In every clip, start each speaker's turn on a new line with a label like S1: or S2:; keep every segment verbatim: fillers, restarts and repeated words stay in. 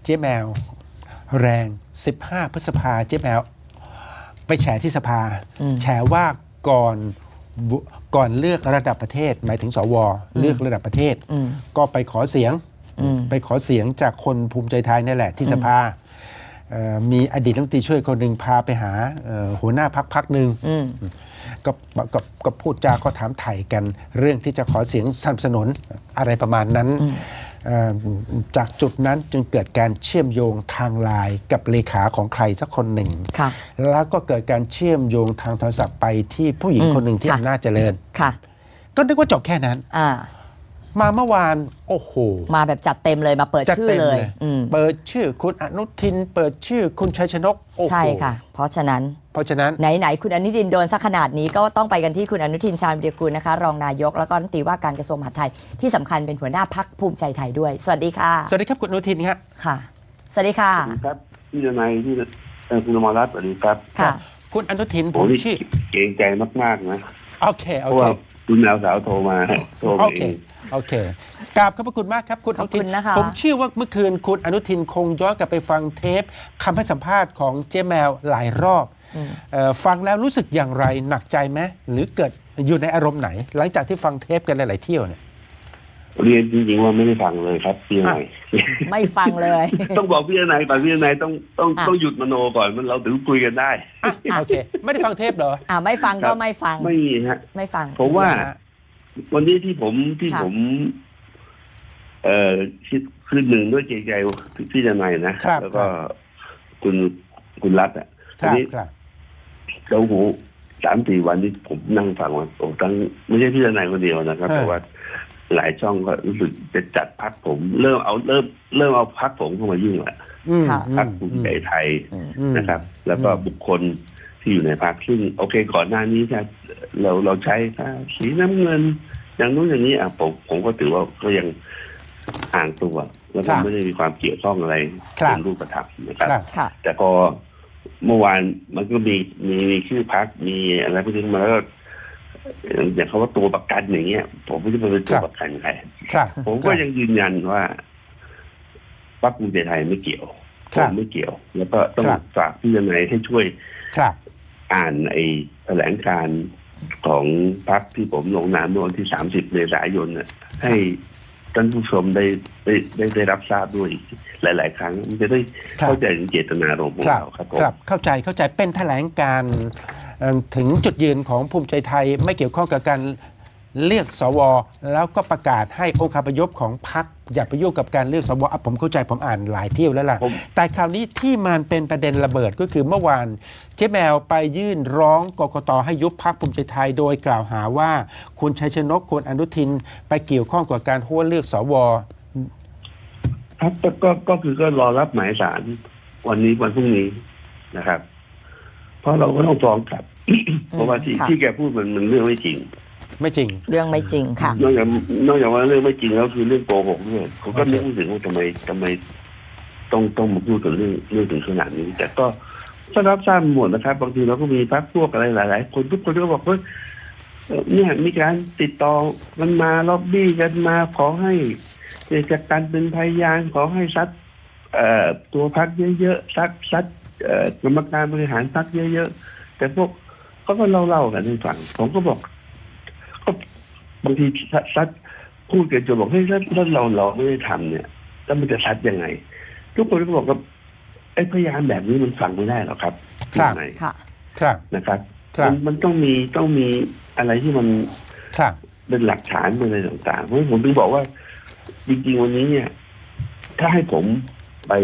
S1: เจ๊แมวแรงสิบห้าพฤษภาเจ๊แมวไปแฉที่สภาแฉว่าก่อนก่อนเลือกระดับประเทศหมายถึงสวเลือกระดับประเทศก็ไปขอเสียงไปขอเสียงจากคนภูมิใจไทยนี่แหละที่สภามีอดีตรัฐมนตรีช่วยคนหนึ่งพาไปหาหัวหน้าพรรคพรรคหนึ่งก็ก็ก็พูดจาก็ถามไถ่กันเรื่องที่จะขอเสียงสนับสนุนอะไรประมาณนั้นจากจุดนั้นจึงเกิดการเชื่อมโยงทางไลน์กับเลขาของใครสักคนหนึ่งแล้วก็เกิดการเชื่อมโยงทางโทรศัพท์ไปที่ผู้หญิงคนหนึ่งที่อำนาจเจริญก็นึกว่าจบแค่นั้นมาเมื่อวานโอ้โห
S2: มาแบบจัดเต็มเลยมาเปิดชื่อเลย
S1: เปิดชื่อคุณอนุทินเปิดชื่อคุณชัยชนก
S2: ใช่ค่ะเพราะฉะนั้น
S1: เพราะฉะนั้น
S2: ไหนๆคุณอนุทินโดนสักขนาดนี้ก็ต้องไปกันที่คุณอนุทินชาญวิรากูลนะคะรองนายกแล้วก็รัฐมนตรีว่าการกระทรวงมหาดไทยที่สำคัญเป็นหัวหน้าพรรคภูมิใจไทยด้วยสวัสดีค่ะ
S1: สวัสดีครับคุณอนุทินครับ
S2: ค่ะสวัสดีค่ะ
S3: สวัสดีครับพี่ทนายที่คุณอมรรัตน์สวัสดีครับ
S2: ค่ะ
S1: คุณอนุทินผมชื่อ
S3: เกรงใจมากๆนะ
S1: โอเคโอเค
S3: คุณแมวสาวโทรมาโทรมาเอง
S1: โอเคกราบขอบพระคุณมากครับคุณอนุทินผมเชื่อว่าเมื่อคืนคุณอนุทินคงย้อนกลับไปฟังเทปคำให้สัมภาษณ์ของเจ๊แมวหลายรอบฟังแล้วรู้สึกอย่างไรหนักใจไหมหรือเกิดอยู่ในอารมณ์ไหนหลังจากที่ฟังเทปกันหลายๆเที่ยวเนี่ย
S3: เรียนจริงๆว่าไม่ได้ฟังเลยครับพี่นาย
S2: ไม่ฟังเลย
S3: ต้องบอกพี่นายก่อนพี่นายต้องต้องต้องหยุดมโนก่อนมันเราถึงคุยกันได้
S1: โอเคไม่ได้ฟังเทปเหรอ
S2: อ่าไม่ฟังก็ไม่ฟัง
S3: ไม่มีฮะ
S2: ไม่ฟัง
S3: ผมว่าวันนี้ที่ผมที่ผมเอ่อคิดคือหนึ่งด้วยใจใจพี่ทนายนะแล้วก็คุณคุณรัฐอ่ะทีนี้เราหูสามสี่วันที่ผมนั่งฟังว่าโอ้ทั้งไม่ใช่พี่ทนายคนเดียวนะครับแต่ว่าหลายช่องก็รู้สึกจะจัดพักผมเริ่มเอาเริ่มเริ่มเอาพักผมเข้ามายุ่งแหละพักภูมิใจไทยนะครับแล้วก็บุคคลที่อยู่ในพักซึ่งโอเคก่อนหน้านี้ถ้าเราเราใช้สีน้ำเงินอย่างนู้นอย่างนี้อ่ะผมผมก็ถือว่าก็ยังห่างตัวแล้วก็ไม่ได้มีความเกี่ยวข้องอะไรเป็นรูปธรรมนะครับแต่พอเมื่อวานมันก็มีมีชื่อพักมีอะไรพวกนี้มาแล้วอย่างเขาว่าตัวประกันอย่างเงี้ยผมไม่ได้เป็นตัวประกันใครผมก็ยังยืนยันว่าพรรคภูมิใจไทยไม่เกี่ยวผมไม่เกี่ยวแล้วก็ต้องฝากพี่ยังไงให้ช่วยอ่านไอ้แถลงการณ์ของพรรคที่ผมลงนามเมื่อวันที่สามสิบเมษายนน่ะให้ท่านผู้ชมได้ได้ได้ได้รับทราบด้วยหลายๆครั้งมันจะได้เข้าใจถึงเจตนารมณ์ของเราครับ
S1: ครับเข้าใจเข้าใจเป็นแถลงการถึงจุดยืนของภูมิใจไทยไม่เกี่ยวข้องกับการเลือกสวแล้วก็ประกาศให้องค์คาพยพของพรรคอย่าไปยุ่งกับการเลือกสวผมเข้าใจผมอ่านหลายเที่ยวแล้วล่ะแต่คราวนี้ที่มันเป็นประเด็นระเบิดก็คือเมื่อวานเจ๊แมวไปยื่นร้องกกต.ให้ยุบพรรคภูมิใจไทยโดยกล่าวหาว่าคุณชัยชนกคุณอนุทินไปเกี่ยวข้องกับการหัวเลือกสว
S3: ครับก็ก็คือก็รอรับหมายศาลวันนี้วันพรุ่งนี้นะครับเพราะเราก็ต้องฟ้องกลับเพราะว่าที่ที่แกพูดมันมันเรื่องไม่จริง
S1: ไม่จริง
S2: เรื่องไม่จริงค่ะ
S3: นอกจากนอกจากว่าเรื่องไม่จริงแล้วคือเรื่องโกหกด้วยเขาก็นึกถึงว่าทำไมทำไมต้องต้องมาพูดกันเรื่องเรื่องถึงขนาดนี้แต่ก็ก็รับทราบหมดนะครับบางทีเราก็มีพรรคพวกอะไรหลายๆคนทุกคนก็บอกว่าเนี่ยมีการติดต่อมันมาล็อบบี้กันมาขอให้จากการเป็นพยานขอให้ซัดตัวพรรคเยอะๆซัดซัดกรรมการบริหารพรรคเยอะๆแต่พวกเขาก็เล่าๆกันให้ฟังผมก็บอกก็บางทีซัดพูดกันจนบอกเฮ้ยถ้าเราเราไม่ได้ทำเนี่ยแล้วมันจะซัดยังไงทุกคนก็บอกว่าไอ้พยานแบบนี้มันฟังไม่ได้หรอกครับ
S1: ครับ
S3: ครับนะครับมันมันต้องมีต้องมีอะไรที่มันเป็นหลักฐานเป็นอะไรต่างๆเพราะผมถึงบอกว่าจริงๆวันนี้เนี่ยถ้าให้ผมไป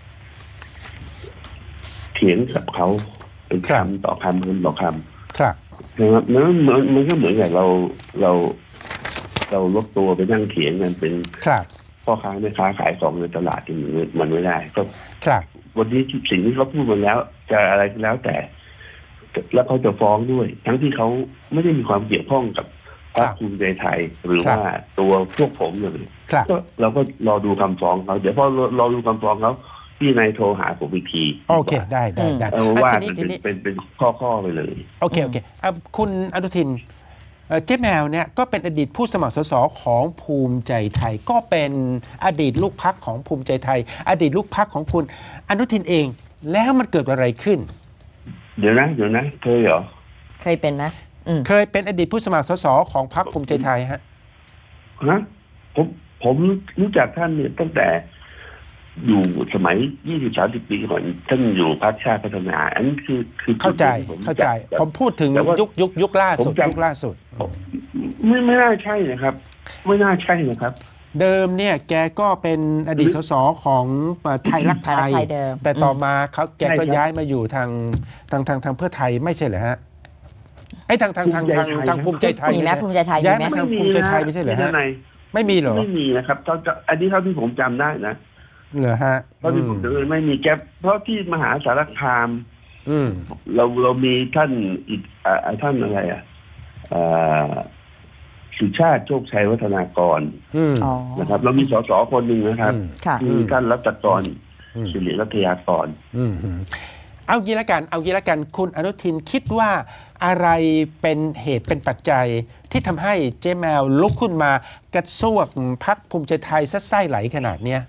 S3: เถียงกับเขาเป็นคำต่อคำคำต่อคำ
S1: ครับ
S3: นะครับนั้นมันมันก็เหมือนกับเราเราเราลดตัวไปนั่งเถียงกันเป็นพ่อค้าแม่ค้าขายของในตลาดที่มันไม่ได้ก็วันนี้สิ่งที่เขาพูดมาแล้วจะอะไรก็แล้วแต่แล้วเขาจะฟ้องด้วยทั้งที่เขาไม่ได้มีความเกี่ยวข้องกับพรรคภูมิใจไทยหรือว่าตัวพวกผมเลยก็เราก็รอดูคำฟ้องเขาเดี๋ยวพอรอดูคำฟ้องเขาพี่นายโทรหาผมอีกที
S1: โอเคได้ได้ได้
S3: เอาว่าเป็นเป็นเป็นข้อข้อไปเลย
S1: โอเคโอเคคุณอนุทินเอ่อเจ๊แมวเนี่ยก็เป็นอดีตผู้สมัครสสของภูมิใจไทย ก็เป็นอดีตลูกพรรคของภูมิใจไทย อดีตลูกพรรคของคุณอนุทินเอง แล้วมันเกิดอะไรขึ้น
S3: เดี๋ยวนะเดี๋ยวนะเคยเหรอ
S2: เคยเป็นไหมอืม
S1: เคยเป็นอดีตผู้สมัครสสของพรรคภูมิใจไทยฮะ
S3: ฮะผมผมรู้จักท่านเนี่ยตั้งแต่อยู่สมัยยี่สิบสามสิบปีก่อนท่านอยู่พรรคชาติพัฒนา อันนี้คือคือ
S1: เข้าใจ
S3: ที่ผมรู้
S1: เข้าใจ
S3: ก
S1: ผมพูดถึง
S3: แต่ว่า
S1: ยุคยุคยุคล่าสุด
S3: ผมจำ
S1: ยุคล่าสุด
S3: ไม่ไม่น่าใช่นะครับ ไม่น่าใช่นะครับ
S1: เดิมเนี่ยแกก็เป็นอดีตสสของไทยรักไท
S2: ไทยรัก
S1: ย
S2: ไทยเดิม
S1: แต่ต่อมาเขาแกก็
S3: ใช่ครับ
S1: ย้ายมาอยู่ทางทางทางทางเพื่อไทยไม่ใช่เหรอฮะไอ้ยทางทางทางทางทางภูมิใจไทย
S2: มีไหมภูมิใจไทย
S1: ย้าย
S2: มี
S1: มา
S2: ไหม
S1: ทางภูมิใจไทยไม่ใช่เหรอฮะ
S3: ไม่มีน
S1: ไม่มีเหรอ
S3: ไม่มีนะครับเท่าจะอันนี้เท่าที่ผมจำได้นะ
S1: เหรอฮะ
S3: เท่าที่ผมจำได้ไม่มีแก๊ปเพราะที่มหาสารคาม
S1: อืม
S3: เราเรามีท่านอีกอ่าท่านอะไรอ่ะอ่าสุชาติโชคชัยวัฒนากร
S1: อืม
S2: อ๋อ
S3: นะครับเรามีสสคนหนึ่งนะครับ
S1: อืม
S2: ค่ะ
S3: ที่ท่านรัตกร
S1: อืม
S3: สิริรัตยากร
S1: อืมเอางี้ละกันเอางี้ละกันคุณอนุทินคิดว่าอะไรเป็นเหตุเป็นปัจจัยที่ทำให้เจ๊แมวลุกขึ้นมากระซวกพรรคภูมิใจไทยซะไส้ไหลขนาดเนี้ย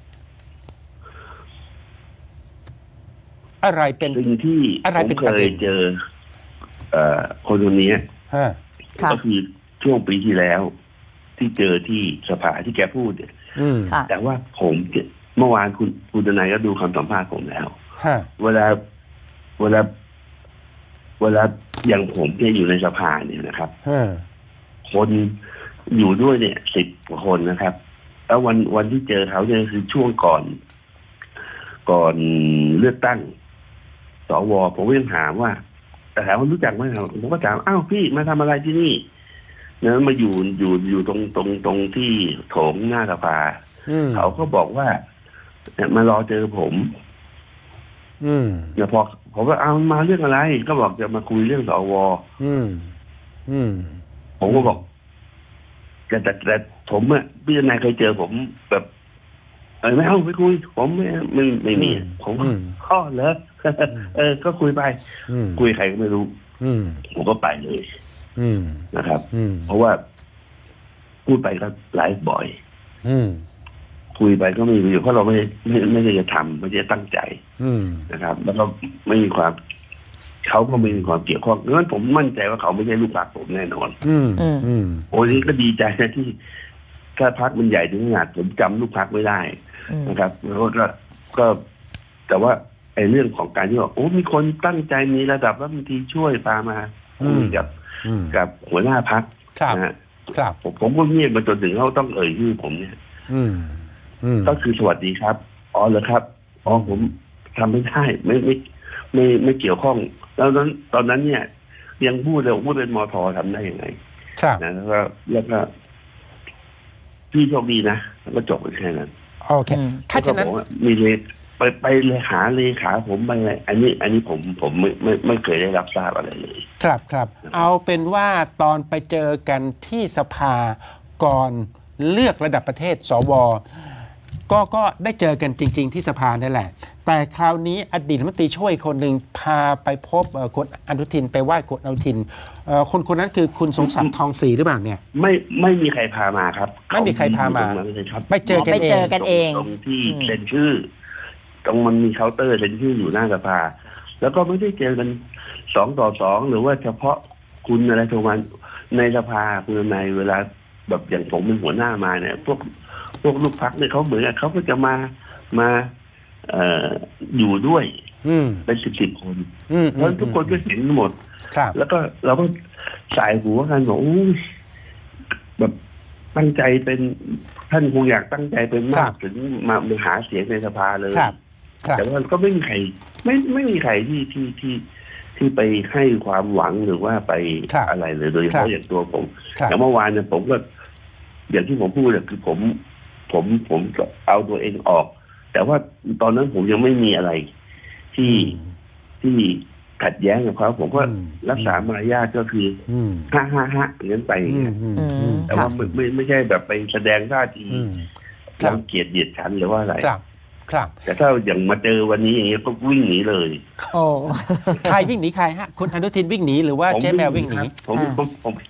S1: อะไรเป็น
S3: สิ่งที่
S1: อะไร
S3: ผม
S1: เป็น
S3: เค
S1: ประเด็
S3: ย
S1: น
S3: เจอเอ่อคนคนนี้
S1: ฮะ
S2: ค่ะ
S3: ก็คือช่วงปีที่แล้ว ที่เจอที่สภาที่แกพูดเนี่ย
S1: อืม
S2: ค่ะ
S3: แต่ว่าผมเนี่ยเมื่อวานคุณคุณทนายก็ดูคำสัมภาษณ์ผมแล้ว
S1: ฮะ
S3: เวลาเวลาเวลาอย่างผมเนี่ยอยู่ในสภาเนี่ยนะครับ
S1: ฮะ
S3: คนอยู่ด้วยเนี่ยสิบกว่าคนนะครับ แล้ววันวันที่เจอเขาเนี่ยคือช่วงก่อน ก่อนเลือกตั้งสวผมก็ยังถามว่า แต่ถามว่ารู้จักไหมครับผมก็ถามอ้าวพี่มาทำอะไรที่นี่เนี่ยมาอยู่อยู่อยู่ตรงตรงตรงที่โถงหน้าสภา
S1: อืม
S3: เขาก็บอกว่าเนี่ยมารอเจอผม
S1: อืม
S3: เนี่ยพอผมก็เอามาเรื่องอะไร ก็บอกจะมาคุยเรื่องสว
S1: อืมอืม
S3: ผมก็บอกแต่แต่แต่ผมอะพี่นายเคยเจอผมแบบเออไม่เอาไม่คุย ผมไม่ไม่ไม่มีผมก็ข้อเหรอเออ ก็คุยไป
S1: อืม
S3: คุยใครก็ไม่รู้
S1: อืม
S3: ผมก็ไปเลย
S1: อืม
S3: นะครับ
S1: อืม
S3: เพราะว่าพูดไปก็ไลฟ์บ่อย
S1: อืม
S3: คุยไปก็ไม่มีประโยชน์เพราะเราไม่ไม่ไม่ได้จะทำไม่ได้ตั้งใจ
S1: อืม
S3: นะครับ แล้วก็ไม่มีความเขาก็ไม่มีความเกี่ยวข้องเพราะฉะนั้นผมมั่นใจว่าเขาไม่ใช่ลูกหลานผมแน่นอน
S1: อืม
S2: อืม
S1: อืม
S3: โอ้ยก็ดีใจนะที่ถ้าพักมันใหญ่ถึงขนาดผมจำลูกพักไม่ได้
S2: อืม
S3: นะครับแล้วก็ก็แต่ว่าไอ้เรื่องของการที่ว่าโอ้มีคนตั้งใจมีระดับรัฐมนตรีช่วยพามาคุยกับ
S1: อืม
S3: กับหัวหน้าพัก
S1: ครับ
S3: นะฮะ
S1: ครับ
S3: ผมผมก็เงียบมาจนถึงเขาต้องเอ่ยชื่อผมเนี่ย
S1: อืม อืม
S3: ก็คือสวัสดีครับอ๋อเหรอครับอ๋อผมทำไม่ได้ไม่ไม่ไม่ไม่เกี่ยวข้อง แล้วนั้นตอนนั้นเนี่ย ยังพูดเลยพูดเป็นมททำได้ยังไง
S1: ครับ
S3: นะแล้วก็แล้วก็พี่โชคดีนะแล้วก็จบไปแค่นั้น
S1: โอเค
S2: อืม
S1: ถ้าฉะนั้น
S3: แล้วก็บอกว่ามีเลไปไปเลยหาเลขาผมไปอะไรอันนี้ อันนี้ผมผมไม่ไม่ไม่เคยได้รับทราบอะไรเลย
S1: ครับครับ เอาเป็นว่าตอนไปเจอกันที่สภาก่อนเลือกระดับประเทศสวก็ก็ได้เจอกันจริง ๆ ที่สภานั่นแหละ แต่คราวนี้อดีตรัฐมนตรีช่วยคนหนึ่งพาไปพบเอ่อคุณอนุทินไปไหว้คุณอนุทินเอ่อคนคนนั้นคือคุณสมศักดิ์ทองศรีหรือเปล่าเนี่ย
S3: ไม่ไม่มีใครพามาครับ
S1: ไม่มีใครพามา
S3: เขอยู่ตรงนั้นเลยครับ
S1: ไปเจอกัน
S2: ไป
S1: เอ
S2: เจอง กันเอง
S3: ตรงที่
S2: อืม
S3: เซ็นชื่อ ตรงมันมีเคาน์เตอร์เซ็นชื่ออยู่หน้าสภา แล้วก็ไม่ได้เจอกันสองต่อสองหรือว่าเฉพาะคุณอะไรโทรมาในสภาคุณในเวลาแบบอย่างผมเป็นหัวหน้ามาเนี่ย พวกพวกลูกพักเนี่ยเขาเหมือนกับเขาก็จะมามาเอ่ออยู่ด้วย
S1: อืม
S3: เป็นสิบสิบคน
S1: อืม
S3: เพราะทุกคนก็เห็นหมด
S1: ครับ
S3: แล้วก็เราก็สายหัวกันบอกโอ้ยแบบตั้งใจเป็นท่านคงอยากตั้งใจเป็นมากถึงมามาหาเสียงในสภาเลย
S1: ครับครับ
S3: แต่ว่าก็ไม่มีใคร ไม่ไม่มีใครที่ที่ที่ที่ไปให้ความหวังหรือว่าไปอะไรเลยโดยเฉพาะอย่างตัวผม
S1: ครับ
S3: อย่างเมื่อวานเนี่ยผมก็ อย่างที่ผมพูดเนี่ยคือผม ผมผมเอาตัวเองออก แต่ว่าตอนนั้นผมยังไม่มีอะไร ที่ที่ขัดแย้งกับเขาผมก็
S1: อืม
S3: รักษามารยาทก็คือ
S1: อืม
S3: ฮ่าฮ่าฮ่าอย่างนั้นไปอย่าง
S1: อื
S3: เงี้
S1: ม
S3: ย
S1: อืม
S2: อื
S1: อื
S2: ม
S1: ม
S3: แต่
S2: ค่ะ
S3: ว่าไม่ไม่ไม่ใช่แบบไปแสดงท่าที
S1: อืม ครับ
S3: รังเกียจเหยียดฉันหรือว่าอะไร
S1: ครับครับ
S3: แต่ถ้าอย่างมาเจอวันนี้อย่างเงี้ยก็วิ่งหนีเลย
S2: โอ้
S1: ใครวิ่งหนีใครฮะคุณอนุทินวิ่งหนีหรือว่า
S3: ผม
S1: เจ๊แมววิ่งหนี
S3: ครับผม
S2: อ่า
S3: ผมผมผ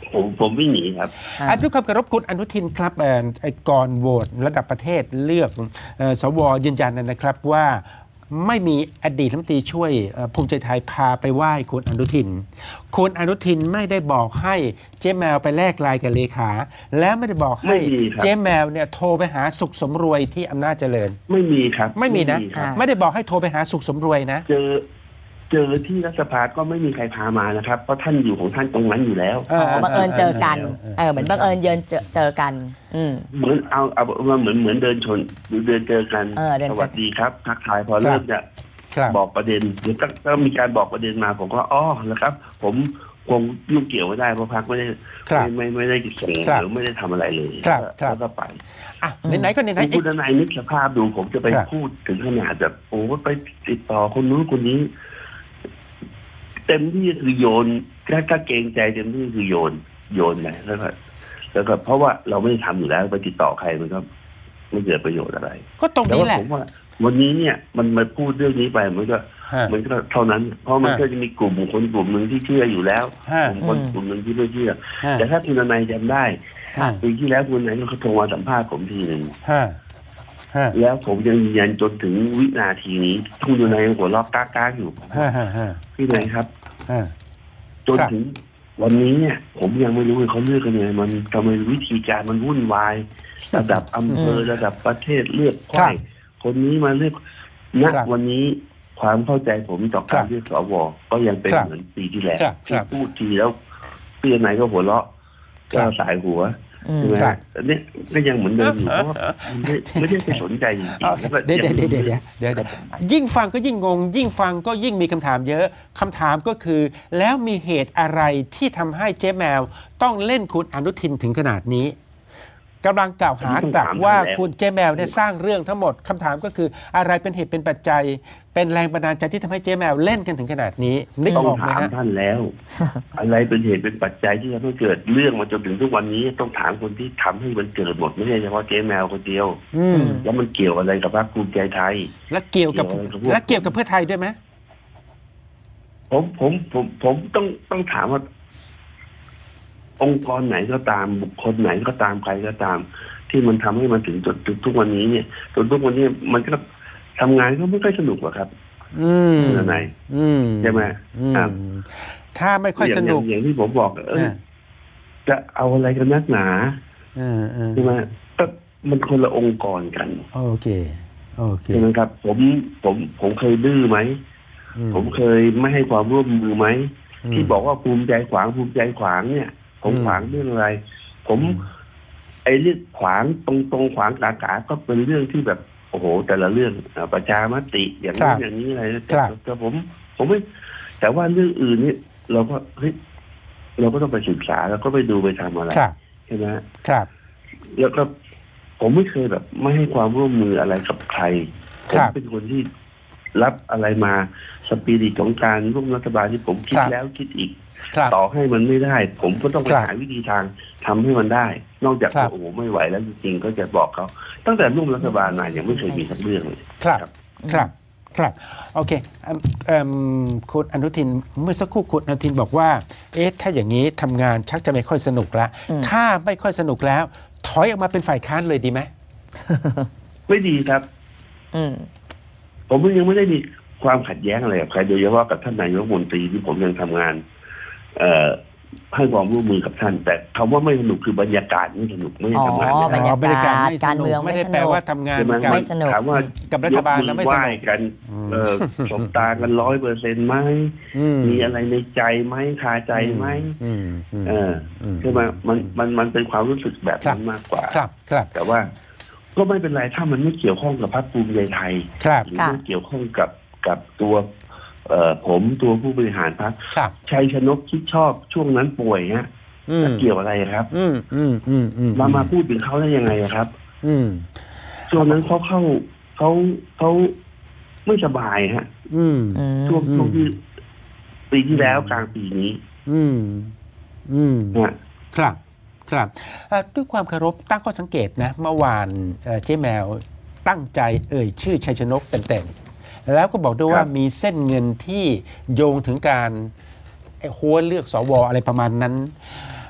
S3: ผมผมไม่หนีครับ
S2: อ่า
S1: อันด้วยความเคารพคุณอนุทินครับเอ่อไอ้ก่อนโหวตระดับประเทศเลือกเอ่อสวยืนยันนะครับว่าไม่มีอดีตรัฐมนตรีช่วยเอ่อภูมิใจไทยพาไปไหว้คุณอนุทินคุณอนุทินไม่ได้บอกให้เจ๊แมวไปแลกไลน์กับเลขา แล้วไม่ได้บอกให้
S3: ไม่มีครับ
S1: เจ๊แมวเนี่ยโทรไปหาสุขสมรวยที่อำนาจเจริญ
S3: ไม่มีครับ
S1: ไม่มีนะ
S3: ครับ
S1: ไม่ได้บอกให้โทรไปหาสุขสมรวยนะ
S3: เจอเจอที่รัฐสภาก็ไม่มีใครพามานะครับ เพราะท่านอยู่ของท่านตรงนั้นอยู่แล้ว
S1: เออ
S2: อ๋อบังเอิญเจอกัน
S1: เออเออ
S2: เออเหมือนบังเอิญเยินเจอเจอกัน อืม
S3: เหมือนเอาเอามาเหมือนเหมือนเดินชนหรือเดินเจอกัน
S2: เออเดิน
S3: ส
S2: เจอกัน
S3: วัสดีครับทักทายพอเริ่มจะ
S1: ครับ
S3: บอกประเด็นเดี๋ยวก็ก็มีการบอกประเด็นมาผมก็อ๋อแล้วครับ ผมคงยุ่งเกี่ยวไม่ได้เพราะพักไม่ได้
S1: ครับ
S3: ไม่ไม่ไม่ได้ส่ง
S1: ครับ
S3: หรือไม่ได้ทำอะไรเลย
S1: ครับ
S3: แล้ว
S1: ครับ
S3: แล้วก็ไป
S1: อ่ะไหนๆก็ไหนๆ
S3: คุ
S1: อี
S3: ณ
S1: ก
S3: นายนึกสภาพดูผมจะไป
S1: ครับ
S3: พูดถึงขนาดแบบโอ้ไปติดต่อคนนู้นคนนี้ เต็มที่คือโยนถ้าถ้าเกรงใจเต็มที่คือโยน โยนไปแล้วก็แล้วก็เพราะว่าเราไม่ได้ทำอยู่แล้วไปติดต่อใครมันก็ไม่เกิดประโยชน์อะไร
S1: ก็ตรง
S3: แต่
S1: นี้
S3: ว่า
S1: แหละ
S3: ผมว่า วันนี้เนี่ยมันมาพูดเรื่องนี้ไปมันก็
S1: ฮะ
S3: มันก็เท่านั้น เพราะมัน
S1: ฮะ
S3: ก็จะมีกลุ่มคนกลุ่มหนึ่งที่เชื่ออยู่แล้ว
S1: ฮะ
S3: กลุ่มคน
S2: อืม
S3: กลุ่มหนึ่งที่ไม่เชื่อ
S1: ฮะ
S3: แต่ถ้าคุณนายจำได้
S2: ค่ะ
S3: ปีที่แล้วคุณนายก็โทรมาสัมภาษณ์ผมทีหนึ่ง
S1: ฮะฮะ
S3: แล้วผมยังยืนยันจนถึงวินาทีนี้คุณนายยังหัวเราะก้ากๆอยู่
S1: ฮะฮะฮะ
S3: พี่นายครับ
S1: ฮะ
S3: จน
S1: ครับ
S3: ถึงวันนี้เนี่ย ผมยังไม่รู้เลยเขาเลือกกันยังไงมันทำไมวิธีการมันวุ่นวาย ระดับอำเภอระดับประเทศเลือกใครคนนี้มาเลือกณ
S1: ครับ
S3: วันนี้ความเข้าใจผมต่อ
S1: ครั
S3: การ
S1: บ
S3: เลือกสวก็ยังเป็น
S1: ครับ
S3: เหมือนปีที่แล้ว
S1: ครับค
S3: ที่
S1: รับ
S3: พูดทีแล้วพี่นายก็หัวเราะ
S1: ครั
S3: ก็
S1: บ
S3: สายหัว
S2: อืม
S3: ใช่ไหม
S1: ครับ
S3: อันนี้ก็ยังเหมือนเดิมอยู่เพราะว่าไม่ไม่ได้ไปสนใจจริง
S1: เอา
S3: ๆแล้วก็
S1: เดี๋ยว
S3: ยัง
S1: เดี๋ยวเดี๋ยวเดี๋ยวเดี๋ยวเดี๋ยวยิ่งฟังก็ยิ่งงง ยิ่งฟังก็ยิ่งมีคำถามเยอะคำถามก็คือ แล้วมีเหตุอะไรที่ทำให้เจ๊แมวต้องเล่นคุณอนุทินถึงขนาดนี้กำลังกล่าวหากลับว่าคุณเจ๊แมวเนี่ยสร้างเรื่องทั้งหมดคำถามก็คือ อะไรเป็นเหตุเป็นปัจจัย เป็นแรงบันดาลใจที่ทำให้เจ๊แมวเล่นกันถึงขนาดนี้นึก
S3: ต้อง
S1: ออกไหม
S3: ถาม
S1: ฮะ
S3: ท่านแล้ว อะไรเป็นเหตุเป็นปัจจัยที่ทำให้เกิดเรื่องมาจนถึงทุกวันนี้ต้องถามคนที่ทำให้มันเกิดหมดไม่ใช่เฉพาะเจ๊แมวคนเดียว
S1: อืม
S3: แล้วมันเกี่ยวอะไรกับพรรคภูมิใจไทย
S1: และเกี่ยวกับ
S3: เกี่ยวอะไรกับพวก
S1: และเกี่ยวกับเพื่อไทยด้วยไหม
S3: ผมผมผมผมต้องต้องถามว่า องค์กรไหนก็ตามบุคคลไหนก็ตามใครก็ตาม ที่มันทำให้มันถึงจนถึงทุกวันนี้เนี่ยจนทุกวันนี้มันก็ทำงานก็ไม่ค่อยสนุกหรอกครับ
S1: อืม
S3: เรื่องไหน
S1: อืม
S3: ใช่ไหม
S1: อืม
S3: ครับ
S1: ถ้าไม่ค่อยสนุก
S3: างอย่างที่ผมบอกเออ
S1: อ่า
S3: จะเอาอะไรกันนักหนา
S1: เออเออ
S3: ใช่ไหมก็มันคนละองค์กรกัน
S1: โอเคโอเค
S3: ใช่ไหมครับ ผมผมผมเคยดื้อไหม
S1: อื
S3: ผมเคยไม่ให้ความร่วมมือไหม
S1: ม
S3: ที่บอกว่าภูมิใจขวางภูมิใจขวางเนี่ย ผม
S1: อืม
S3: ขวางเรื่องอะไร ผม ไอ้เรื่องขวางตรงตรงๆขวางกากาก็เป็นเรื่องที่แบบโอ้โห แต่ละเรื่องอ่าประชามติอย่างนี้นอย่างนี้อะไรแต่แต่ผม ผมไม่ แต่ว่าเรื่องอื่นเนี่ยเราก็เฮ้ยเราก็ต้องไปศึกษาแล้วก็ไปดูไปทำอะไร
S1: ครับ
S3: ใช่ไหม
S1: ครับ
S3: แล้วก็ผมไม่เคยแบบ ไม่ให้ความร่วมมืออะไรกับใครผ
S1: ค
S3: ม
S1: รับ
S3: เป็นคนที่รับอะไรมาสปิริตของการร่วมรัฐบาลที่ผมคิด
S1: ครับ
S3: แล้วคิดอีก
S1: ครับ
S3: ต่อให้มันไม่ได้ ผมก็ต้องไป
S1: ครับ
S3: หาวิธีทางทำให้มันได้ นอกจาก
S1: ครับ
S3: โอ้โหไม่ไหวแล้วจริงๆก็จะบอกเขาตั้งแต่ร่วมรัฐบาลมายังไม่เคยมีสักเรื่องเลย
S1: ครับ
S3: ครับ
S1: ครับครับโอเคเอิ่มเอิ่มคุณอนุทินเมื่อสักครู่คุณอนุทินบอกว่า เอ๊ะถ้าอย่างนี้ทำงานชักจะไม่ค่อยสนุกแล้ว
S2: อืม
S1: ถ้าไม่ค่อยสนุกแล้ว ถอยออกมาเป็นฝ่ายค้านเลยดีไหม
S3: ไม่ดีครับ
S2: อืม
S3: ผมยังไม่ได้มีความขัดแย้งอะไรกับใครโดยเฉพาะกับท่านนายกรัฐมนตรีที่ผมยังทำงาน เอ่อให้ความร่วมมือกับท่าน แต่คำว่าไม่สนุกคือบรรยากาศไม่สนุกไม่ได้ทำงาน
S2: อ๋อ
S3: ไม่ได้
S2: บรรยากาศ
S1: ไม่สนุ
S2: การเมือง
S1: ไม่ได้
S2: ไม่สนุก
S1: แปลว่าทำงาน
S3: ใช่ไหม
S1: กับ
S2: ไม่สนุก
S3: ถามว่า
S1: กับรัฐบาลแล้วไม่สนุก
S3: ยกมือไหว้กัน เออสบตากันร้อยเปอร์เซ็นต์ไหม
S1: อื
S3: มีอะไรในใจไหมคาใจไหม
S1: อืมอืม
S3: เออ
S1: ม
S3: ใช่ไหมมันมันมันเป็นความรู้สึกแบบนั้นมากกว่า
S1: ครับครับ
S3: แต่ว่าก็ไม่เป็นไรถ้ามันไม่เกี่ยวข้องกับพรรคภูมิใจไทย
S1: ครับ
S3: หรือ
S2: ค่ะ
S3: ไม่เกี่ยวข้องกับกับตัว เอ่อผมตัวผู้บริหารพรรค
S1: ครับ
S3: ชัยชนกคิดชอบช่วงนั้นป่วยฮะ
S1: อืม
S3: จะเกี่ยวอะไรครับ
S1: อืมอืมอืมอืม
S3: มามาพูดถึงเขาได้ยังไงอะครับ
S1: อืม
S3: ช่วงนั้นเขาเข้าเขาเขาไม่สบายฮะ
S1: อืม
S2: อืม
S3: ช่วง
S1: อืม
S3: ช่วงที่ปีที่แล้วกลางปีนี้
S1: อืมอืม
S3: นะ
S1: ครับครับเอ่อด้วยความเคารพตั้งข้อสังเกตนะเมื่อวานเอ่อเจ๊แมวตั้งใจเอ่ยชื่อชัยชนกเต็มๆแล้วก็บอกด้วยว่ามีเส้นเงินที่โยงถึงการไอ้หัวเลือกสวอะไรประมาณนั้น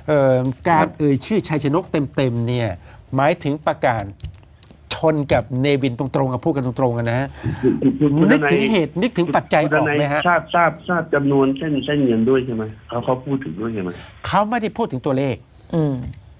S1: เอ่อการเอ่ยชื่อชัยชนกเต็มๆเนี่ยหมายถึงประกาศชนกับเนวินตรงๆกับพูดกันตรงๆกันนะฮะ
S3: คุณคุณ
S1: นึก
S3: ทนาย
S1: ถึงเหตุนึกถึงปัจจัย
S3: คุณ
S1: อ
S3: ท
S1: อก
S3: นาย
S1: ไหมฮะ
S3: ทราบทราบทราบจำนวนเส้นเส้นเงินด้วยใช่ไหมเขาเขาพูดถึงด้วยใช่ไหม
S1: เขาไม่ได้พูดถึงตัวเลข
S2: อืม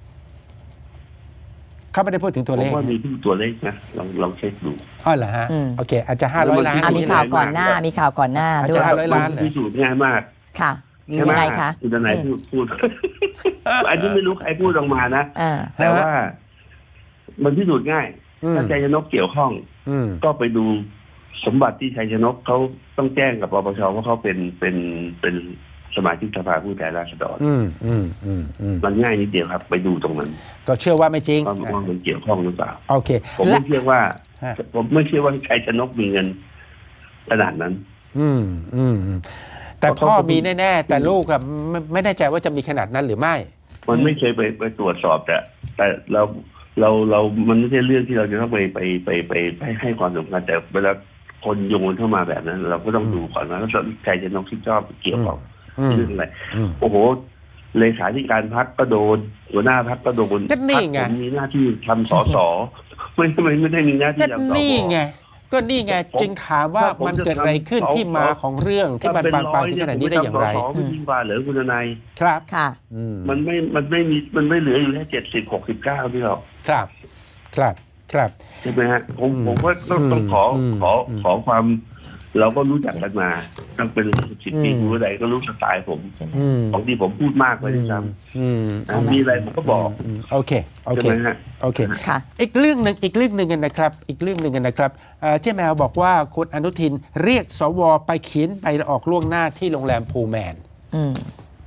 S1: เขาไม่ได้พูดถึงตัว
S3: ผ
S1: เล
S3: ม
S1: ข
S3: ว่ามีผู้ตัวเลขนะลองลองเช็คดู
S1: อ๋อเหรอฮะ
S2: อืม
S1: โอเค อาจจะห้าร้อยล้าน
S2: อ่ะมีข่าวก่อนหน้า มีข่าวก่อนหน้า
S1: อาจ
S2: ด้
S1: จะ
S2: วย
S1: ห้าร้อยล้านเหรอ
S3: พิสูจน์ง่ายมาก
S2: ค่ะ
S3: ใช่ไหม
S2: ยังไงคะ
S3: คุณทนายพูดพูด อันนี้ไม่รู้ใครพูดออกมานะ
S2: อ่า
S3: แต่ว่ามันพิสูจน์ง่าย
S1: อืม
S3: ถ้าชัยชนกเกี่ยวข้อง
S1: อืม
S3: ก็ไปดูสมบัติที่ชัยชนกเขาต้องแจ้งกับปปชว่าเขาเป็นเป็นเป็นสมาชิกสภาผู้แทนราษฎร
S1: อืมอืมอืมอืม
S3: มันง่ายนิดเดียวครับ ไปดูตรงนั้น
S1: ก็เชื่อว่าไม่จริง
S3: ว่าว่ามันเกี่ยวข้องหรือเปล่า
S1: โอเค
S3: ผม
S1: และ
S3: ไม่เชื่อว่า
S1: ฮะ
S3: ผมไม่เชื่อว่าชัยชนกมีเงินขนาดนั้น
S1: อืมอืมอืมแต่
S3: เพราะ
S1: พ่อ
S3: เขามี
S1: มีแน่ๆ แต่ลูกอะไม่ไม่แน่ใจว่าจะมีขนาดนั้นหรือไม่
S3: มันไม่เคยไปไปตรวจสอบแต่แต่เราเราเรามันไม่ใช่เรื่องที่เราจะต้องไปไปไปไปไปให้ความสำคัญแต่เวลาคนโยนเข้ามาแบบนั้น เราก็ต้องดูก่อนว่าชัยชนกที่ชอบเกี่ยวข้อง
S1: อืม
S3: เรื่องอะไร
S1: อืม
S3: โอ้โหเลขาธิการพรรคก็โดนหัวหน้าพรรคก็โดน
S1: ก็นี่ไง
S3: พรรคผมมีหน้าที่ทำสสไม่ไม่ไม่ได้มีหน้าที่
S1: ก็
S3: ทำสว
S1: นี่ไง ก็นี่ไง
S3: ผม
S1: จึงถามว่า
S3: ถ้าผม
S1: มัน
S3: จะ
S1: เกิดอะไรขึ้น
S3: ทำ
S1: ที่มา
S3: สอ
S1: ของเรื่องที่มัน
S3: ถ้
S1: บานปลายถึง
S3: เ
S1: ขนาดนี้ได้อย่างไร
S3: ผมจะทำสสไม่ดีกว่าเหรอคุณนาย
S1: ครับ
S2: ค่ะ
S1: อืม
S3: มันไม่มันไม่มีมันไม่เหลืออยู่แค่เจ็ดสิบหกสิบเก้าที่หรอก
S1: ครับ ครับ ครับ
S3: ใช่ไหมฮะผม
S1: อืม
S3: ผมก็ต้อง
S1: อืม
S3: ต้องขออ
S1: ม
S3: ขอ
S1: อืม
S3: ขอความ เราก็รู้จักกันมาตั้งเป็นสิบปี
S1: อืม
S3: คุณใดก็รู้สไตล์ผม
S2: ใช่ไหม
S1: อืม
S3: บางทีผมพูดมากไปด้วยซ้
S1: อืม
S3: ำนะมีอะไรผมก็บอก
S1: อืมโอเค โอ
S3: ใช่
S1: เค
S3: ไหมฮะ
S1: โอเค
S2: ค่ะ
S1: อีกเรื่องหนึ่งอีกเรื่องหนึ่งกันนะครับ อีกเรื่องหนึ่งกันนะครับเอ่อเจ๊แมวบอกว่าคุณอนุทินเรียกสวไปเขียนใบลาออกล่วงหน้าที่โรงแรมพูแมน
S2: อืม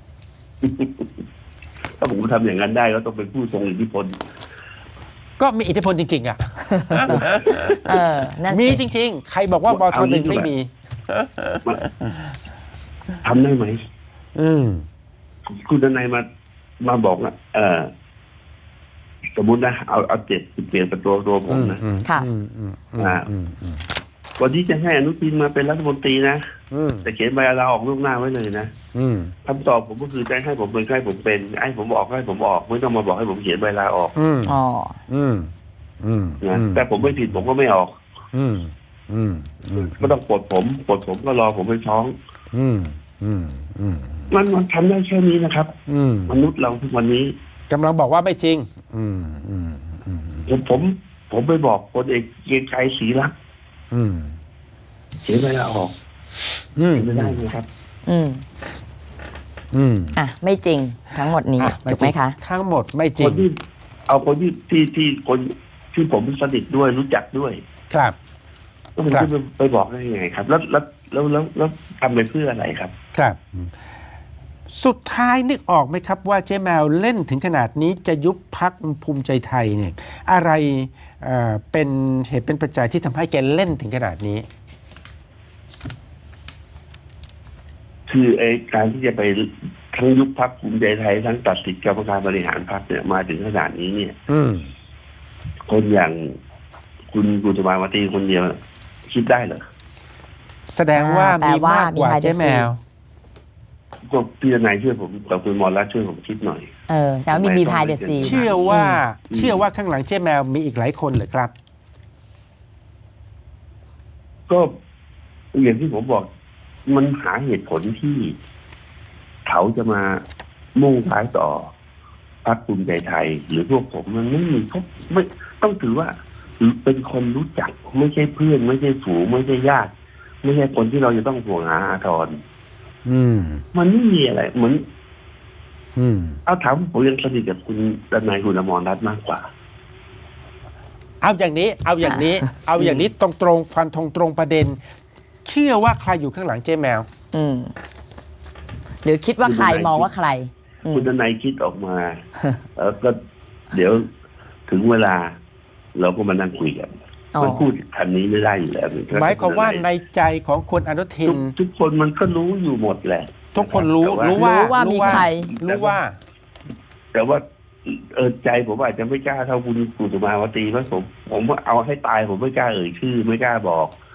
S3: ถ้าผมทำอย่างนั้นได้ก็ต้องเป็นผู้ทรงอิทธิพล
S1: ก็มีอิทธิพลจริง ๆ อ่ะ
S2: เออ นั่น
S1: มี
S2: สิ
S1: จริง ๆ ใครบอกว่าบทหนึ่งไม่มี
S3: ทำได้ไหม
S1: อืม
S3: คุณทนายมามาบอกว่าเออสมมุตินะเอาเอาเจ็ดเปลี่ยนเป็นตัวตัวผมนะ
S2: ค่ะ
S1: อืมอืมอืม
S3: อ่า
S1: อืมอืม
S3: วันที่จะให้อนุทินมาเป็นรัฐมนตรีนะ
S1: อืม
S3: แต่เขียนใบลาออกล่วงหน้าไว้เลยนะ
S1: อืม
S3: คำตอบผมก็คือจะให้ผมเป็นให้ผมเป็นให้ผมออกให้ผมออกไม่ต้องมาบอกให้ผมเขียนใบลาออก
S1: อืม
S2: อ๋อ
S1: อืมอืม
S3: นะแต่ผมไม่ผิดผมก็ไม่ออก
S1: อืมอืมอืม
S3: ก็ต้องปลดผมปลดผมก็รอผมไปฟ้อง
S1: อืมอืมอืม
S3: มันมันทำได้แค่นี้นะครับ
S1: อืม
S3: มนุษย์เราทุกวันนี้
S1: กำลังบอกว่าไม่จริง อืมอืมอืม
S3: ผมผม ผมไปบอกพลเอกเกรียงไกรศรีรักษ์
S1: อืม
S3: เขียนใบลาออก
S1: อืม
S3: เขียนไม่ได้ไหมครับ
S2: อืม
S1: อืม
S2: อ่ะ ไม่จริงทั้งหมดนี้
S1: อ่ะ
S2: ถูกไหมคะ
S1: ทั้งหมดไม่จริ
S3: ค
S1: ง
S3: นที่เอาคนที่ที่ที่คนที่ผมสนิทด้วยรู้จักด้วย
S1: ครับ
S3: ก็ผม
S1: ครับ
S3: จะไปบอกได้ยังไงครับ แล้วแล้วแล้วแล้วแล้วทำไปเพื่ออะไรครับ
S1: ครับ สุดท้ายนึกออกไหมครับว่าเจ๊แมวเล่นถึงขนาดนี้จะยุบพักภูมิใจไทยเนี่ย อะไรเอ่อเป็นเหตุเป็นปัจจัยที่ทำให้แกเล่นถึงขนาดนี้
S3: คือไอ้การที่จะไปทั้งยุบพักภูมิใจไทยทั้งตัดสิทธิกรรมการบริหารพรรคเนี่ยมาถึงขนาดนี้เนี่ย
S1: อืม
S3: คนอย่างคุณกุตมาวตีคนเดียวคิดได้เหรอ
S1: แสดงว่า
S2: อ่าแปล
S1: มี
S2: ว่าม
S1: ากกว่า
S2: มี high
S1: เจ๊แมว
S3: ก็พี่นายช่วยผมกับคุณหมอรัตน์ช่วยผมคิดหน่อย
S2: เออแสดงว่ามีมีพายเดอะซี
S1: เชื่อว่าเชื่อว่าข้างหลังเจ๊แมวมีอีกหลายคนเหรอครับ
S3: ก็อย่างที่ผมบอก มันหาเหตุผลที่เขาจะมามุ่งท้ายต่อพรรคภูมิใจไทย หรือพวกผมมันไม่มีเขาไม่ต้องถือว่าเป็นคนรู้จัก ไม่ใช่เพื่อน ไม่ใช่ฝูงไม่ใช่ญาติ ไม่ใช่คนที่เราจะต้องห่วงหาอาทร
S1: อืม
S3: มันไม่มีอะไรเหมือน
S1: อืม
S3: เอาถามผมยังสนิทกับคุณดนายคุณอมรรัตน์มากกว่า
S1: เอาอย่างนี้ เอาอย่างนี้ เอาอย่างนี้ตรงตรงๆฟันธงตรงประเด็น เชื่อว่าใครอยู่ข้างหลังเจ๊แมว
S2: อืม หรือคิดว่าใครมองว่าใคร อืม
S3: คุณดนายคิดออกมา เออก็เดี๋ยวถึงเวลา เราก็มานั่งคุยกัน
S2: อ๋อ
S3: มันพูดคันนี้ไม่ได้อยู่แล้ว
S1: หมายความว่าในใจของคุณอนุทิ
S3: ทุ
S1: น
S3: กทุกคนมันก็รู้อยู่หมดแหละ
S1: ทุกคนรู้
S3: แต่ว่า
S1: รู้ว่า
S2: รู้ว่ามีใคร
S1: รู้ว่า
S3: แต่ว่าเออใจผมอาจจะไม่กล้าเท่าคุณกุตุมาวตีเพราะผมผมว่าเอาให้ตายผมไม่กล้าเอ่ยชื่อ ไม่กล้าบอก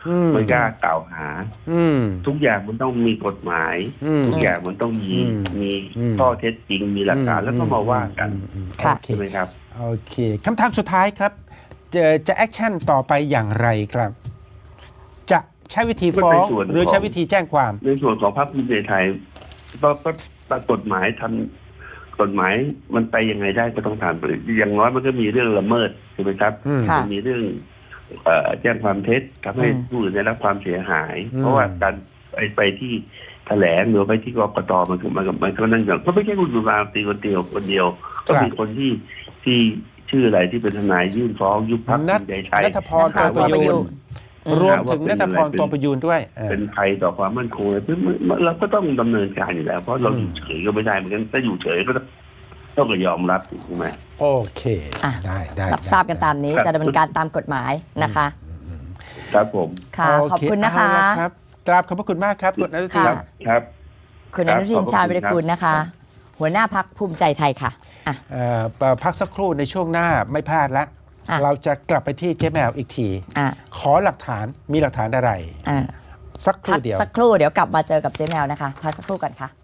S1: อืม
S3: ไม่กล้ากล่าวหา
S1: อืม
S3: ทุกอย่างมันต้องมีกฎหมาย
S1: อืม
S3: ทุกอย่างมันต้องมี
S1: อืม
S3: มี
S1: อืม
S3: ข้อเท็จจริงมีหลักการแล้วก็มาว่ากัน
S1: อืมอืม
S2: ค่ะ
S1: โอเค
S3: ใช่ไหมครับ
S1: โอเคคำถามสุดท้ายครับ จะจะแอคชั่นต่อไปอย่างไรครับ จะใช้วิธีฟ้อง
S3: มันเป็นส่วน
S1: หรือ
S3: ของ
S1: ใช้วิธีแจ้งความ
S3: ในส่วนของพรรคภูมิใจไทยก็ก็ก็กฎหมายทำกฎหมายมันไปยังไงได้ก็ต้องทำไปอย่างน้อยมันก็มีเรื่องละเมิดใช่ไหมครับ
S1: อืม
S2: ค่ะ
S3: มันมีเรื่องเอ่อแจ้งความเท็จทำให้
S2: อืม
S3: ผู้อื่นได้รับความเสียหาย
S1: อืม
S3: เพราะว่าการไปไปที่แถลงหรือไปที่กกตมันก็มันก็มันก็นั่นอย่างก็ไม่ใช่คุณสุภาพตีคนเดียวคนเดียว ก็มีคนที่ที่ชื่ออะไรที่เป็นทนายยื่นฟ้องยุบพรรคภู
S1: นัท
S3: มิใจไทย
S1: นัทพร
S2: นั
S1: ตั
S2: ท
S1: ว
S2: พ
S1: ประ
S2: ร
S1: ยู
S2: ประยู
S1: น
S2: น
S1: รวมถึงนัทพรตัวประยูนด้วยเออ
S3: เป็นภัยต่อความมั่นคงเลยเราก็ต้องดำเนินการอยู่แล้ว เพราะเรา
S1: อืม
S3: อยู่เฉยก็ไม่ได้เหมือนกันถ้าอยู่เฉยก็ต้องต้องยอมรับถูกไหม
S1: โอเค
S2: อ่ะ
S1: ได้ได้
S2: รับทราบกันตามนี้
S3: ครับ
S2: จะดำเนินการตามกฎหมายนะคะ
S3: ครับผม
S2: ค่ะ
S1: โเ
S2: ขอบคุณนะคะ
S1: เอาลครับกราบขอบพระคุณมากครับคุณอนุทิน
S2: ค่ะ
S3: ครับ
S2: คุณ
S3: ค
S2: อ
S3: รับ
S2: นุทิน
S3: ขอบพระ
S2: ชาญ
S3: คุณ
S2: วิรกูลนะคะ
S3: ครับ
S2: หัวหน้าพักภูมิใจไทยค่ะอ่ะ
S1: เอ่อพักสักครู่ในช่วงหน้าไม่พลาดละ
S2: อ่ะ
S1: เราจะกลับไปที่เจ๊แมวอีกที
S2: อ่ะ
S1: ขอหลักฐานมีหลักฐานอะไร
S2: อ่ะ
S1: สักค
S2: พั
S1: รู่
S2: ก
S1: เดียว
S2: สักครู่เดี๋ยวกลับมาเจอกับเจ๊แมวนะคะพักสักครู่ก่อนค่ะ